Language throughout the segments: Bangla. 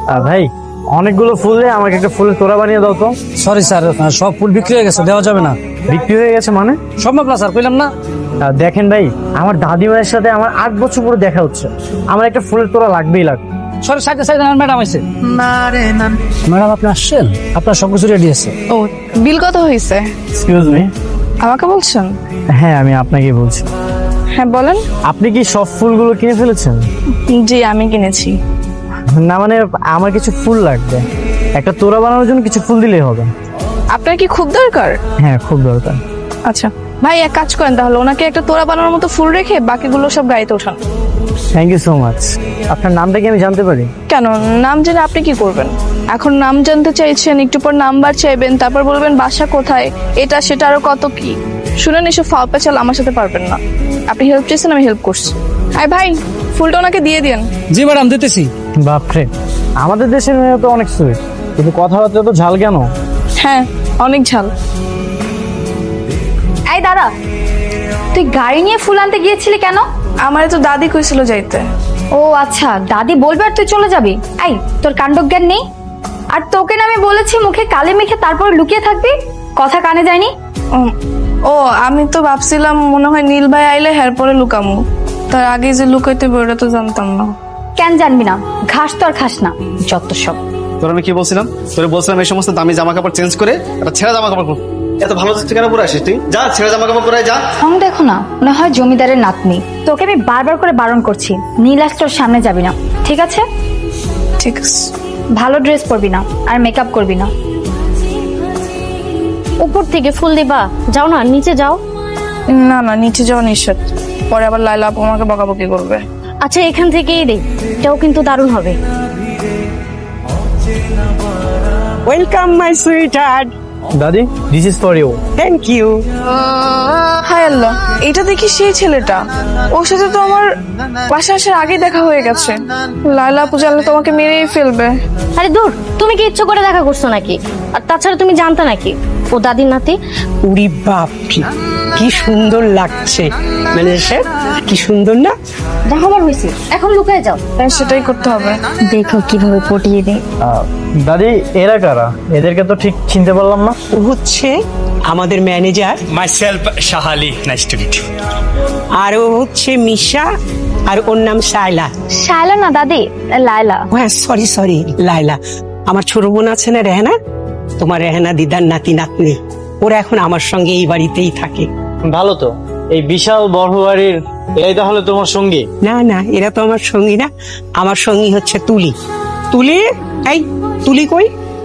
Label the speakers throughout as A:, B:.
A: ভাই অনেকগুলো ফুল দিয়ে আমাকে একটা ফুলের তোড়া বানিয়ে দাও তো।
B: সরি স্যার, সব ফুল বিক্রি হয়ে গেছে, দেওয়া যাবে না।
A: বিক্রি হয়ে গেছে মানে?
B: সম্ভব না স্যার, কইলাম না।
A: দেখেন ভাই, আমার দাদিমায়ের সাথে আমার 8 বছর পরে দেখা হচ্ছে, আমার একটা ফুলের তোড়া লাগবেই লাগবে।
B: সরি, সাইডে সাইডে ম্যাডাম আছে। ম্যাডাম আপনি আসছেন? আপনার সবকিছু রেডি আছে।
C: ও, বিল কত হয়েছে?
A: Excuse me.
C: আমাকে বলছেন?
A: হ্যাঁ, আমি আপনাকে বলছি।
C: হ্যাঁ বলেন।
A: আপনি কি সব ফুলগুলো কিনে ফেলেছেন?
C: জি আমি কিনেছি।
A: না মানে আমার কিছু ফুল লাগবে, একটা তোড়া বানানোর জন্য কিছু ফুল দিলেই হবে।
C: আপনার কি খুব দরকার?
A: হ্যাঁ খুব দরকার।
C: আচ্ছা ভাই, এক কাজ করেন তাহলে, ওনাকে একটা তোড়া বানানোর মতো ফুল রেখে বাকিগুলো সব গাড়িতে ওঠান।
A: Thank you so much. আপনার নামটা কি আমি জানতে পারি?
C: কেন, নাম জেনে আপনি কি করবেন? এখন নাম জানতে চাইছেন, একটু পর নাম্বার চাইবেন, তারপর বলবেন বাসা কোথায়, এটা সেটা আরো কত কি। শুনেন, এসব ফাও পেঁচাল আমার সাথে পারবেন না। আপনি হেল্প চেয়েছেন, আমি হেল্প করছি। আয় ভাই, ফুলটা ওনাকে দিয়ে দিন।
B: জি ম্যাডাম, দিতেছি।
A: বাপরে, আমাদের দেশের মেয়ে তো অনেক সুইট, কিন্তু কথাবার্তা তো ঝাল কেন?
C: হ্যাঁ, অনেক ঝাল।
D: এই দাদা, তুই গাড়ি নিয়ে ফুল আনতে গিয়েছিলি কেন?
C: আমার তো দাদি কইছিল যাইতে।
D: ও আচ্ছা, দাদি বলবে আর তুই চলে যাবি? এই, তোর কাণ্ডজ্ঞান নেই? আর তোকে না আমি বলেছি মুখে কালি মেখে তারপর লুকিয়ে থাকবি, কথা কানে যায়নি?
C: ও, আমি তো ভাবছিলাম মনে হয় নীল ভাই আইলে হের পরে লুকামু, তার আগে যে লুকাইতে ওটা তো জানতাম না।
D: কেন জানবি না? ঘাস তো আর খাস না, যত সব।
E: তোর আমি কি বলছিলাম? তোরে বলছিলাম এই সমস্ত দামি জামা কাপড় চেঞ্জ করে একটা ছেঁড়া জামা কাপড় পর। এত ভালো যাচ্ছে কেন পরে আসিস তুই? যা ছেঁড়া জামা কাপড় পরে যা।
D: রং দেখো না, মনে হয় জমিদারের নাতনি। তোকে আমি বারবার করে বারণ করছি, নীলাস তোর সামনে যাবি না, ঠিক আছে?
C: ঠিক আছে।
D: ভালো ড্রেস পরবি না আর মেকআপ করবি না।
F: উপর থেকে ফুল দিবা, যাও না, নিচে যাও।
C: না না, নিচে যাওয়া নিষেধ, পরে আবার লাইলা আপু আমাকে বকাবকি করবে।
F: আচ্ছা, এখান থেকেই দে, এটাও কিন্তু দারুণ হবে।
G: Welcome my sweetheart.
A: দাদি, this is for you.
G: Thank you.
C: হায় আল্লাহ, এটা দেখি সেই ছেলেটা, ওর সাথে তো আমার বাসা আসার আগে দেখা হয়ে গেছে। লাইলা আপু জানলে তোমাকে মেরেই ফেলবে।
F: আরে দূর, তুমি কি ইচ্ছে করে দেখা করছো নাকি? আর তাছাড়া তুমি জানতা নাকি ও দাদির নাতি?
G: উরি বাপ, কি সুন্দর লাগছে। ম্যানেজার সাহেব, কি সুন্দর না?
F: দেখো আমার হয়েছে, এখন লুকায় যাও।
C: হ্যাঁ, সেটাই করতে হবে।
F: দেখো কিভাবে পটিয়ে দেয়।
A: দাদি, এরা কারা? এদেরকে তো ঠিক চিনতে পারলাম না।
G: ও হচ্ছে আমাদের manager,
H: Myself, Shahali. Nice to meet you.
G: আর ও হচ্ছে মিশা, আর ওর নাম সাইলা।
D: শায়লা না দাদি, লায়লা।
G: ও হ্যাঁ, সরি সরি, লাইলা। আমার ছোট বোন আছে না রেহানা, তোমার রেহানা দিদার নাতি নাতনি, ওরা এখন আমার সঙ্গে এই বাড়িতেই থাকে।
A: ভালো তো, এই বিশাল বড় বাড়ির এরাই তাহলে তোমার সঙ্গী?
G: না না, এরা তো আমার সঙ্গী না, আমার সঙ্গী হচ্ছে তুলি। তুলি, এই তুলি কই?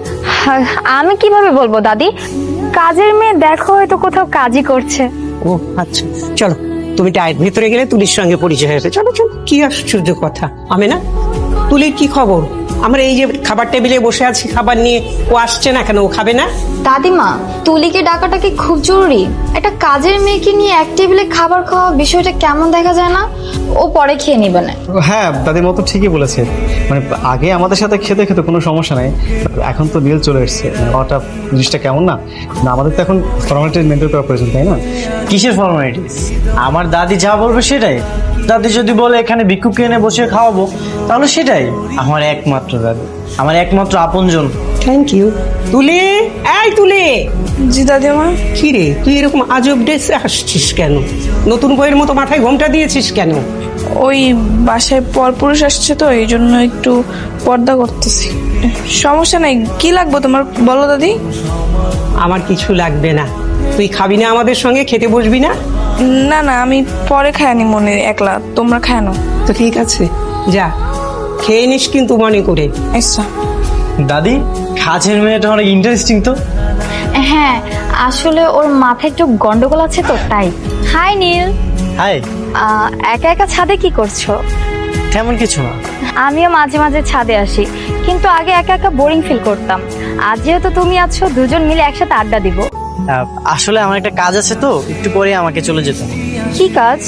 D: আমি কিভাবে বলবো দাদি, কাজের মেয়ে, দেখো হয়তো কোথাও কাজই করছে।
G: ও আচ্ছা, চলো তুমি টায়ের ভেতরে গেলে তুলির সঙ্গে পরিচয় হয়েছে। চলো চলো, কি আশ্চর্য কথা। আমি না, তুলির কি খবর? আমরা এই যে খাবার টেবিলে বসে আছি খাবার নিয়ে, ও আসছে না কেন? ও খাবে না?
D: দাদিমা, তুলিকে ডাকাটা কি খুব জরুরি? একটা কাজের মেয়েকে নিয়ে এক টেবিলে খাবার খাওয়া বিষয়টা কেমন দেখা যায় না? ও পরে খেয়ে নিবে না।
E: হ্যাঁ, দাদির মতো ঠিকই বলেছে। মানে আগে আমাদের সাথে খেতে খেতে কোনো সমস্যা নাই, এখন তো নীল চলে এসছে, হঠাৎ জিনিসটা কেমন না? না, আমাদের তো এখন ফর্মালিটি মেনটেন করা প্রয়োজন, তাই না?
A: কিসের ফর্মালিটিস? আমার দাদি যা বলবে সেটাই। দাদি যদি বলে এখানে ভিক্ষুককে এনে বসে খাওয়াবো, তাহলে সেটাই। আমার একমাত্র দাদি, আমার একমাত্র আপনজন।
G: Thank you. তুলি, এই তুলি।
C: জি দাদিমা।
G: কি রে, তুই এরকম আজব ড্রেসে আসছিস কেন? নতুন বইয়ের মতো মাথায় ঘোমটা দিয়েছিস কেন?
C: ওই বাসায় পরপুরুষ আসছে তো, এই জন্য একটু পর্দা করতেছি। সমস্যা নাই, কি লাগবে তোমার বলো দাদি?
G: আমার কিছু লাগবে না। তুই খাবি না আমাদের সঙ্গে? খেতে বসবি না?
C: না না, আমি পরে খায়নি মনে, একলা, তোমরা খায়ানো।
G: তো ঠিক আছে, যা খেয়ে নিস কিন্তু মনে করে।
C: আচ্ছা।
A: দাদি, কাজের মেয়েটা অনেক ইন্টারেস্টিং তো।
D: হ্যাঁ, আসলে ওর মাথায় একটু গন্ডগোল আছে তো, তাই। হাই নীল।
A: হাই।
D: একা একা ছাদে কি করছো?
A: তেমন কিছু না।
D: আমিও মাঝে মাঝে ছাদে আসি, কিন্তু আগে একা একা বোরিং ফিল করতাম। আজ যেহেতু তুমি আছো, দুজন মিলে একসাথে আড্ডা দিব।
A: আসলে আমার একটা কাজ আছে তো, একটু পরে আমাকে চলে যেতে হবে।
D: কি কাজ?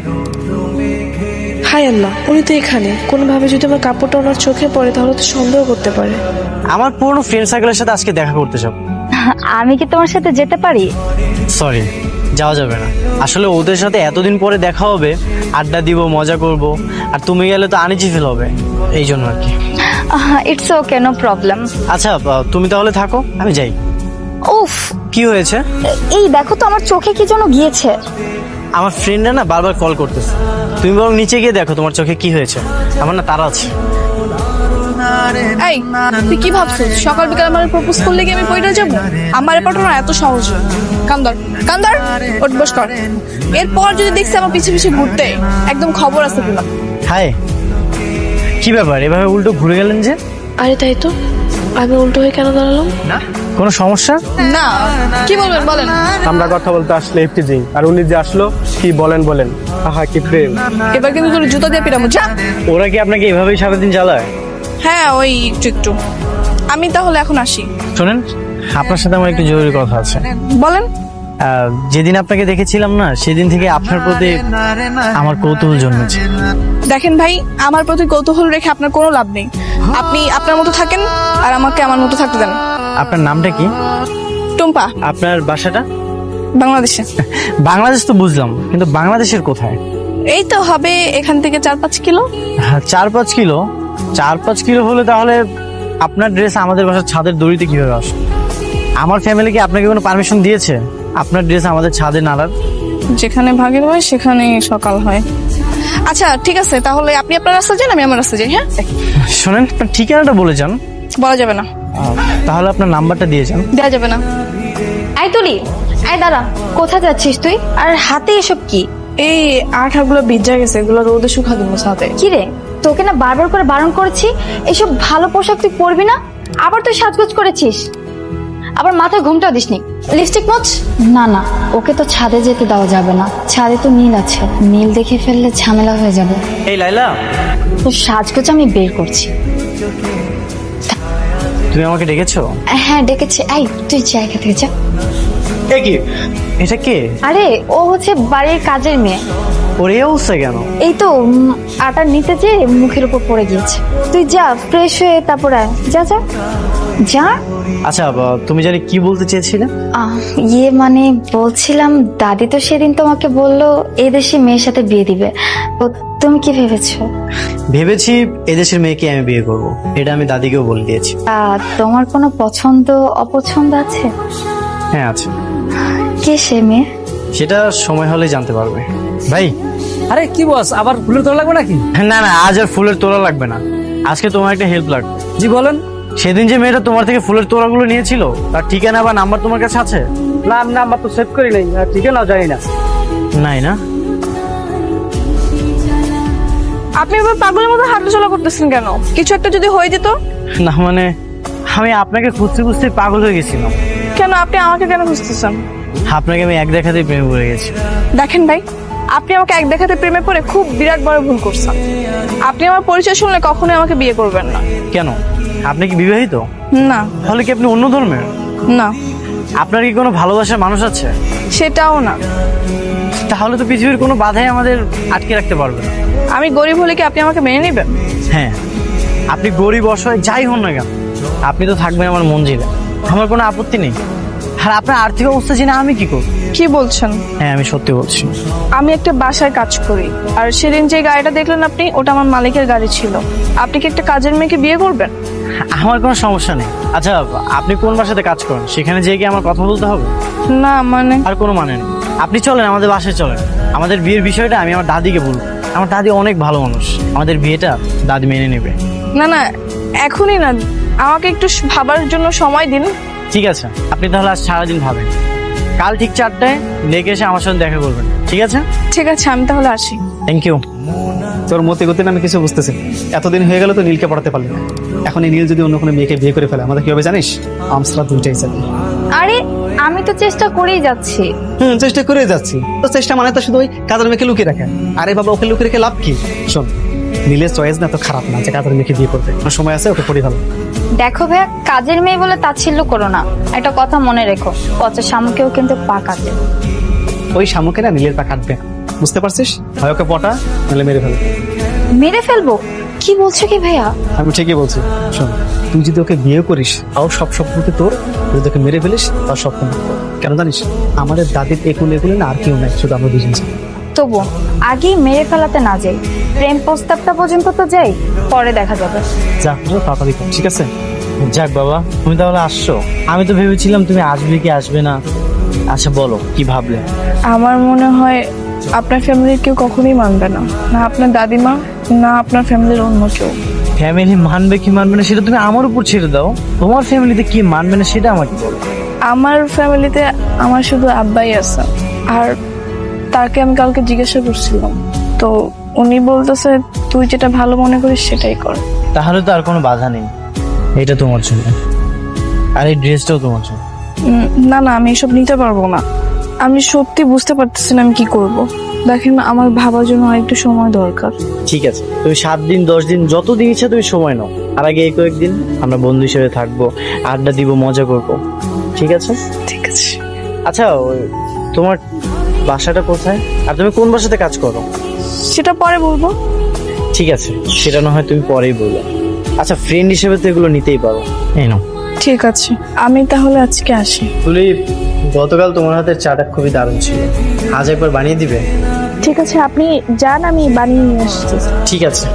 C: হায় আল্লাহ, উনি তো এখানে। কোনোভাবে যদি আমার কাপড়টা ওনার চোখে পড়ে তাহলে তো সন্দেহ করতে পারে।
A: আমার পুরনো ফ্রেন্ড সার্কেলের সাথে আজকে দেখা করতে যাব।
D: আমি কি তোমার সাথে যেতে পারি?
A: সরি, যাওয়া যাবে না। আসলে ওদের সাথে এতদিন পরে দেখা হবে, আড্ডা দিব, মজা করব, আর তুমি গেলে তো আনিজি ফিল হবে, এই জন্য আর কি।
D: It's okay, no problem.
A: আচ্ছা তুমি তাহলে থাকো, আমি যাই।
D: উফ,
A: কি হয়েছে?
D: এই দেখো তো আমার চোখে কি যেন গিয়েছে।
A: আমার ফ্রেন্ডরা না বারবার কল করতেছে, তুমি বরং নিচে গিয়ে দেখো তোমার চোখে কি হয়েছে। আমার না তারা আছে।
C: এই তুই কি ভাবছিস সকাল বিকাল আমার প্রপোজ করলে কি আমি পয়টা যাব? আমার পাঠানো এত সহজ না। কান্দর কান্দর, ওঠ বস কর। এরপর যদি দেখছি আমার পিছে পিছে ঘুরতে, একদম খবর আছে কিনা।
A: হাই, কি ব্যাপার এভাবে উল্টো ঘুরে গেলেন যে?
C: আরে তাই তো, আমি উল্টো হয়ে কেন দাঁড়ালাম?
A: কোনো সমস্যা?
C: না, কি বলবেন বলেন।
I: আমরা কথা বলতে আসলে এফটিজিং, আর উনি যে আসলো কি বলেন। আহা কি প্রেম।
C: এবার কিন্তু তোর জুতা দিয়ে পিটামো, যা।
A: ওরা কি আপনাকে এভাবেই সারাদিন জ্বালায়?
C: হ্যাঁ ওই একটু একটু। আমি তাহলে এখন আসি।
A: শোনেন, আপনার সাথে আমার একটু জরুরি কথা আছে।
C: বলেন।
A: যেদিন আপনাকে দেখেছিলাম না, সেদিন থেকে আপনার প্রতি আমার কৌতূহল জন্মেছে।
C: দেখেন ভাই, আমার প্রতি কৌতূহল রেখে আপনার কোনো লাভ নেই। আপনি আপনার মতো থাকেন আর আমাকে আমার মতো থাকতে দেন।
A: আপনার নামটা কি?
C: টুম্পা।
A: আপনার বাসাটা?
C: বাংলাদেশে।
A: বাংলাদেশ তো বুঝলাম, কিন্তু বাংলাদেশের কোথায়?
C: এই তো হবে এখান থেকে 4-5 কিলো।
A: 4-5 কিলো? 4-5 কিলো হলে তাহলে আপনার ড্রেস আমাদের বাসার ছাদের দড়িতে কিভাবে আসে? আমার ফ্যামিলি কি আপনাকে কোনো পারমিশন দিয়েছে আপনার ড্রেস আমাদের ছাদে নাড়ার?
C: যেখানে ভাগের হয় সেখানে সকাল হয়। আচ্ছা ঠিক আছে, তাহলে আপনি আপনার রাস্তা যান, আমি আমার রাস্তা যাই। হ্যাঁ
A: শোনেন, আপনার ঠিকানাটা বলে যান।
C: বলা যাবে না।
A: তাহলে আপনার নাম্বারটা দিয়ে যান।
C: দেওয়া যাবে না।
D: আই তুলি, আই দাঁড়া, কোথায় যাচ্ছিস তুই? আর হাতে এসব কি?
C: এই আঠাগুলো ভিজা গেছে, এগুলো রোদে শুকা দিব সাথে।
D: কি রে, তোকে না বারবার করে বারণ করেছি এসব ভালো পোশাক তুই পরবি না, আবার তুই সাজগোজ করেছিস। আবার মাথায় ঘুমটা দিসনি। লিপস্টিক মোচ? না না, ওকে তো ছাদে যেতে দেওয়া যাবে না, ছাদে তো নীল আছে, নীল দেখে ফেললে ঝামেলা হয়ে যাবে।
A: এই লাইলা,
D: তো সাজগোজ আমি বের করছি।
A: তুমি আমাকে ডেকেছো?
D: হ্যাঁ ডেকেছি। এই তুই জায়গা থেকে যা।
A: এ কি, এটা কে?
D: আরে ও হচ্ছে বাড়ির কাজের মেয়ে।
A: ওর এই অবস্থা কেন?
D: এই তো আটা নিতে যে মুখের উপর পড়ে গিয়েছে। তুই যা ফ্রেশ হয়ে তারপর আয়। যা যা যা।
A: আচ্ছা তুমি জানি কি বলতে চেয়েছিলে?
D: ইয়ে মানে বলছিলাম, দাদি তো সেদিন তোমাকে বললো এই দেশে মেয়ের সাথে বিয়ে দিবে, তো তুমি কি ভেবেছো?
A: ভেবেছি এদেশের মেয়েকে আমি বিয়ে করব, এটা আমি দাদিকেও বলে দিয়েছি।
D: তোমার কোনো পছন্দ অপছন্দ আছে?
A: হ্যাঁ আছে।
D: কে সে মেয়ে?
A: সেটা সময় হলে জানতে পারবে। ভাই,
B: আরে কি বস, আবার ফুলের তোলা লাগবে নাকি?
A: না না, আজ আর ফুলের তোড়া লাগবে না, আজকে তোমার একটা হেল্প লাগবে।
B: জি বলেন।
A: সেদিন যে মেয়েটা তোমার থেকে ফুলের তোড়াগুলো নিয়েছিল, তার ঠিকানা বা নাম্বার তোমার কাছে আছে?
B: না আমি নাম্বার তো সেভ করি নাই, ঠিক আছে, জানি না।
A: নাই না?
C: আপনি এবার পাগলের মতো হাঁটাচলা করতেছেন কেন? কিছু একটা যদি হয়ে যেত?
A: না মানে আমি আপনাকে খুঁজতে খুঁজতে পাগল হয়ে গেছিলাম।
C: কেন আপনি আমাকে কেন খুঁজতেছেন?
A: আপনাকে আমি এক দেখাতেই প্রেমে পড়ে গেছি।
C: দেখেন ভাই, আপনি আমাকে এক দেখাতে প্রেমে পড়ে খুব বিরাট বড় ভুল করছেন। আপনি আমার পরিচয় শুনলে কখনোই আমাকে বিয়ে করবেন না।
A: কেন, আপনি কি বিবাহিত?
C: না।
A: তাহলে কি আপনি অন্য ধর্মের?
C: না।
A: আপনার কি কোনো ভালোবাসার মানুষ আছে?
C: সেটাও না।
A: তাহলে তো পৃথিবীর কোনো বাধাই আমাদের আটকে রাখতে পারবে না।
C: আমি গরিব হলে কি আপনি আমাকে মেনে নেবেন?
A: হ্যাঁ, আপনি গরিব অসহায় যাই হন না কেন, আপনি তো থাকবেন আমার মঞ্জিলে, আমার কোনো আপত্তি নেই। আর আপনার আর্থিক অবস্থা জেনে আমি কি করব?
C: কি বলছেন?
A: হ্যাঁ আমি সত্যি বলছি।
C: আমি একটা বাসায় কাজ করি, আর সেদিন যে গাড়িটা দেখলেন আপনি, ওটা আমার মালিকের গাড়ি ছিল। আপনি কি একটা কাজের মেয়েকে বিয়ে করবেন?
A: আমার কোনো সমস্যা নেই। আচ্ছা আপনি কোন বাসাতে কাজ করেন, সেখানে যেয়ে কি আমার কথা বলতে হবে?
C: না মানে?
A: আর কোনো মানে নেই, আপনি চলেন আমাদের বাসায় চলেন। আমাদের বিয়ের বিষয়টা আমি আমার দাদিকে বলবো, আমার দাদি অনেক ভালো মানুষ, আমাদের বিয়েটা দাদি মেনে নেবে।
C: না না, এখনই না, আমাকে একটু ভাবার জন্য সময় দিন।
A: ঠিক আছে, আপনি তাহলে আজ সারাদিন ভাবেন, কাল ঠিক 4টায় লেগে এসে আমার সাথে দেখা করবেন, ঠিক আছে?
C: ঠিক আছে, আমি তাহলে আসি।
A: Thank you.
E: তোর মতে গতি আমি কিছু বুঝতেছি। এতদিন হয়ে গেল তো নীলকে পড়াতে পারলি না, এখন এই নীল যদি অন্য কোনো মেয়েকে বিয়ে করে ফেলে আমাদের কি হবে জানিস? আমসরা দুইটাই যাবে।
D: আরে আমি তো চেষ্টা করেই যাচ্ছি।
E: চেষ্টা করে যাচ্ছি তো, চেষ্টা মানে তো শুধু ওই কাজের মেয়েকে লুকিয়ে রাখে। আরে বাবা, ওকে লুকিয়ে রেখে লাভ কি? শোন, নীলের চয়েস না তো খারাপ না যে কাজের মেয়েকে বিয়ে করবে, সময় আছে, ওকে পড়ি ভালো।
D: দেখো ভাইয়া, কাজের মেয়ে বলে তাচ্ছিল্য করো না, একটা কথা মনে রেখো, পচা শামুকেও কিন্তু পা কাটে।
E: ওই শামুকে না নীলের পা কাটবে, বুঝতে পারছিস? হয় ওকে পটা, নাহলে মেরে ফেলবে।
D: মেরে ফেলবো? কি বলছো কি ভাইয়া?
E: আমি ঠিকই বলছি। শোন, তুই যদি ওকে বিয়ে করিস তাও সব স্বপ্নকে তোর, যদি ওকে মেরে ফেলিস তাও স্বপ্ন। কেন জানিস? আমাদের দাদির একুলে একুলে না আর কেউ নাই, শুধু আমরা দুজন।
D: তবু আগেই মেরে ফেলাতে না যাই, প্রেম প্রস্তাবটা পর্যন্ত তো যাই, পরে দেখা যাবে।
A: যাক তাড়াতাড়ি কর, ঠিক আছে? যাক বাবা, তুমি তাহলে আসছো। আমি তো ভেবেছিলাম তুমি আসবে কি আসবে না। আচ্ছা বলো, কি ভাবলে?
C: আমার মনে হয় আপনার ফ্যামিলির কেউ কখনোই মানবে না, না আপনার দাদিমা, না আপনার ফ্যামিলির অন্য কেউ।
A: ফ্যামিলি মানবে কি মানবে না সেটা তুমি আমার উপর ছেড়ে দাও। তোমার ফ্যামিলিতে কি মানবে না সেটা আমাকে বলো।
C: আমার ফ্যামিলিতে আমার শুধু আব্বাই আছে, আর তাকে আমি কালকে জিজ্ঞাসা করছিলাম, তো উনি বলতেছে তুই যেটা ভালো মনে করিস সেটাই কর।
A: তাহলে তো আর কোনো বাধা নেই, এটা তোমার জন্য, আর এই ড্রেসটাও তোমার জন্য।
C: না না, আমি এসব নিতে পারবো না। আমি সত্যি বুঝতে পারতেছি না আমি কি করব। দেখেন, আমার ভাবার জন্য আরেকটু সময় দরকার।
A: ঠিক আছে, তুমি 7 দিন 10 দিন যত দিন ইচ্ছা তুমি সময় নাও। আর আগে এই কয়েকদিন আমরা বন্ধু হিসেবে থাকবো, আড্ডা দিব, মজা করবো, ঠিক আছে?
C: ঠিক আছে।
A: আচ্ছা, তোমার বাসাটা কোথায়, আর তুমি কোন বাসাতে কাজ করো?
C: সেটা পরে বলবো।
A: ঠিক আছে, সেটা না হয় তুমি পরেই বলো। আচ্ছা, ফ্রেন্ড হিসেবে তো এগুলো নিতেই পারো। এই নাও।
C: ঠিক আছে, আমি তাহলে আজকে আসি।
A: তুলি, গতকাল তোমার হাতের চাটা খুবই দারুণ ছিল, আজ একবার বানিয়ে দিবে?
C: ঠিক আছে, আপনি যান, আমি বানিয়ে নিয়ে আসছি।
A: ঠিক আছে।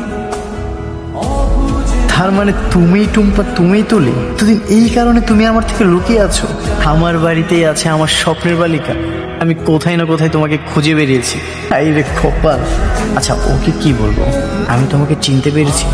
A: তার মানে তুমি টুম্পা, তুমি তুলি, এতদিন এই কারণে তুমি আমার থেকে লুকিয়ে আছো। আমার বাড়িতেই আছে আমার স্বপ্নের বালিকা, আমি কোথায় না কোথায় তোমাকে খুঁজে বেরিয়েছি। আই রে কপাল। আচ্ছা, ওকে কি বলবো, আমি তোমাকে চিনতে পেরেছি।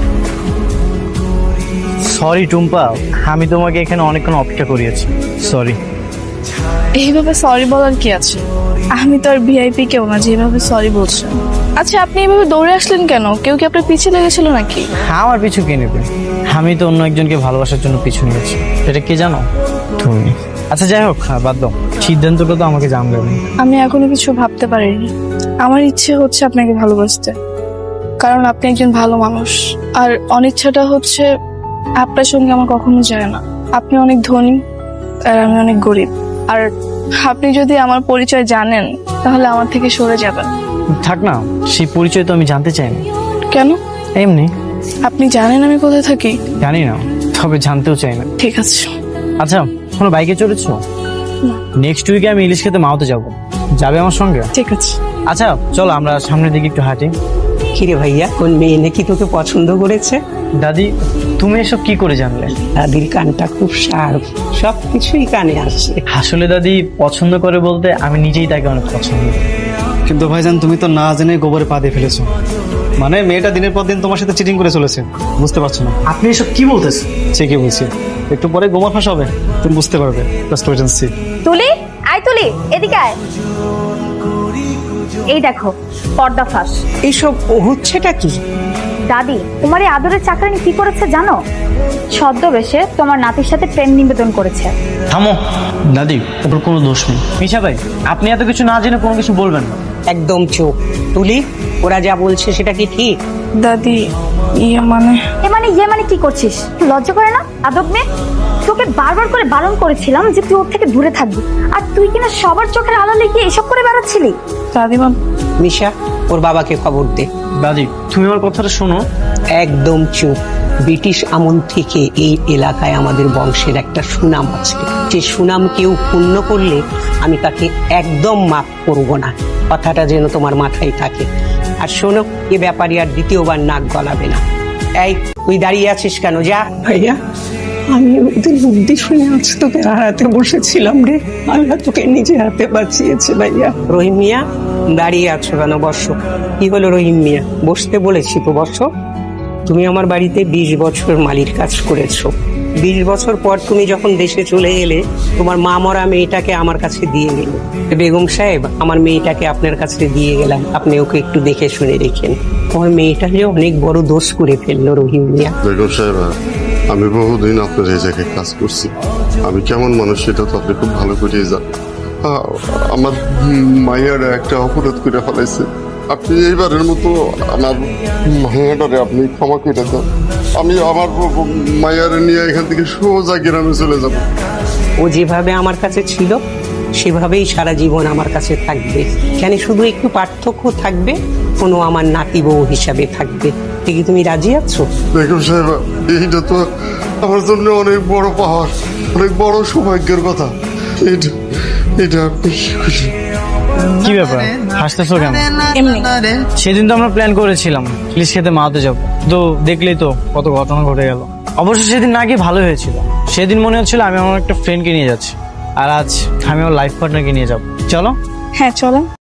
A: সরি টুম্পা, আমি তোমাকে এখানে অনেকক্ষণ অপেক্ষা করিয়েছি, সরি।
C: এইভাবে সরি বলার কি আছে? আমি তো আর ভিআইপি কেউ না যেভাবে সরি বলছেন। আচ্ছা, আপনি এইভাবে দৌড়ে আসলেন কেন? কেউ কি আপনার পিছে লেগেছিল নাকি?
A: আমার পিছু কে নেবে? আমি তো অন্য একজনকে ভালোবাসার জন্য পিছু নিয়েছি, এটা কে জানো? তুমি। আচ্ছা যাই হোক, বাদ দাও, সিদ্ধান্তটা তো আমাকে জানবে।
C: আমি এখনো কিছু ভাবতে পারিনি। আমার ইচ্ছে হচ্ছে আপনাকে ভালোবাসতে, কারণ আপনি একজন ভালো মানুষ। আর অনিচ্ছাটা হচ্ছে আপনার সঙ্গে আমার কখনো যায় না। আপনি অনেক ধনী আর আমি অনেক গরিব, আর আপনি যদি আমার পরিচয় জানেন তাহলে আমার থেকে সরে যাবেন।
A: থাক না, সেই পরিচয় তো আমি জানতে চাই না।
C: কেন?
A: এমনি।
C: আপনি জানেন আমি কোথায় থাকি?
A: জানি না, তবে জানতেও চাই না।
C: ঠিক আছে।
A: আচ্ছা, কোনো বাইকে চড়েছো? নেক্সট উইকে আমি ইলিশ খেতে মাওতে যাবো, যাবে আমার সঙ্গে?
C: ঠিক আছে।
A: আচ্ছা চলো আমরা সামনের দিকে একটু হাঁটি।
G: কিরে ভাইয়া, কোন মেয়ে নাকি তোকে পছন্দ করেছে?
A: দাদি, তুমি এসব কি করে জানলে?
G: দাদির কানটা খুব শার্প, সবকিছুই কানে আসে।
A: আসলে দাদি পছন্দ করে বলতে আমি নিজেই তাকে অনেক পছন্দ করি।
E: কিন্তু ভাইজান, তুমি তো না জেনে গোবরে পা দিয়ে ফেলেছো। মানে মেয়েটা দিনের পর দিন তোমার সাথে চিটিং করে চলেছে, বুঝতে পারছো না?
A: আপনি এসব কি বলতেছেন?
E: ঠিকই বলছি, একটু পরে গোবর ফাঁস হবে, তুমি বুঝতে পারবে। Just wait and see.
F: Tuli, আয় তুলি, এদিকে আয়। এই দেখো, পর্দা ফাঁস।
G: এইসব হচ্ছেটা কি?
D: দাদি, তোমার এই আদরের চাকরানি কি করেছে জানো? ছদ্মবেশে তোমার নাতির সাথে প্রেম নিবেদন করেছে।
A: থামো দাদি, ওর কোনো দোষ নেই। মিশা ভাই, আপনি এত কিছু না জেনে কোনো কিছু বলবেন না।
G: একদম চুপ। তুলি, ওরা যা বলছে সেটা কি ঠিক?
C: দাদি, ইয়ে মানে
D: কি করছিস? লজ্জা করে না আদব মেয়ে? তোকে বারবার করে বারণ করেছিলাম যে তুই ওর থেকে দূরে থাকবি, আর তুই কিনা সবার চোখের আড়ালে গিয়ে এসব করে বেড়াচ্ছিলি।
C: দাদিমা।
G: মিশা, ওর বাবাকে খবর দে।
A: দাদি, তুমি আমার কথাটা শোনো।
G: একদম চুপ। ব্রিটিশ আমল থেকে এই এলাকায় আমাদের বংশের একটা সুনাম আছে, যে সুনাম কেউ পূর্ণ করলে আমি তাকে একদম মাফ করব না। কথাটা যেন তোমার মাথায় থাকে। আর শোনো, এ ব্যাপারে আর দ্বিতীয়বার নাক গলাবে না। এই, তুই দাঁড়িয়ে আছিস কেন? যা। ভাইয়া, আমি ওদের বুদ্ধি শুনে আজ তোকে হারাতে বসেছিলাম রে। আল্লাহ তোকে নিজে হাতে বাঁচিয়েছে ভাইয়া। রহিম মিয়া, দাঁড়িয়ে আছো কেন? বসো। কি হলো রহিম মিয়া? বসতে বলেছি তো, বসো। তুমি আমার বাড়িতে 20 বছর মালির কাজ করেছো। 20 বছর পর তুমি যখন দেশে চলে এলে, তোমার মা মরা মেয়েটাকে আমার কাছে দিয়ে গেল। বেগম সাহেব, আমার মেয়েটাকে আপনার কাছে দিয়ে গেলাম, আপনি ওকে একটু দেখে শুনে রেখেন। আমার মেয়েটা যে অনেক বড় দোষ করে ফেললো রহিম মিয়া।
J: বেগম সাহেব, আমি বহুদিন আপনার এই জায়গায় কাজ করছি, আমি কেমন মানুষ সেটা তো আপনি খুব ভালো করেই জানেন। আমার মায়ের একটা অপরাধ করে ফেলাইছে, আপনি এইবারের মতো আমার মায়াটারে আপনি ক্ষমা করে দেন। আমি আমার মায়ারে নিয়ে এখান থেকে সোজা গ্রামে চলে যাব।
G: ও যেভাবে আমার কাছে ছিল সেভাবেই সারা জীবন আমার কাছে থাকবে। কেন শুধু একটু পার্থক্য থাকবে, কোনো আমার নাতি বউ হিসাবে থাকবে। কি তুমি রাজি আছো?
J: বেগম সাহেব, এইটা তো আমার জন্য অনেক বড় পাওয়ার, অনেক বড় সৌভাগ্যের কথা। এটা আপনি
A: কি ব্যাপার হাসতেছো কেন?
C: এমনি।
A: সেদিন তো আমরা প্ল্যান করেছিলাম ইলিশ খেতে মাতে যাবো, তো দেখলেই তো কত ঘটনা ঘটে গেল। অবশ্য সেদিন না গিয়ে ভালো হয়েছিল। সেদিন মনে হচ্ছিল আমি আমার একটা ফ্রেন্ডকে নিয়ে যাচ্ছি, আর আজ আমি আমার লাইফ পার্টনারকে নিয়ে যাবো। চলো।
C: হ্যাঁ চলো।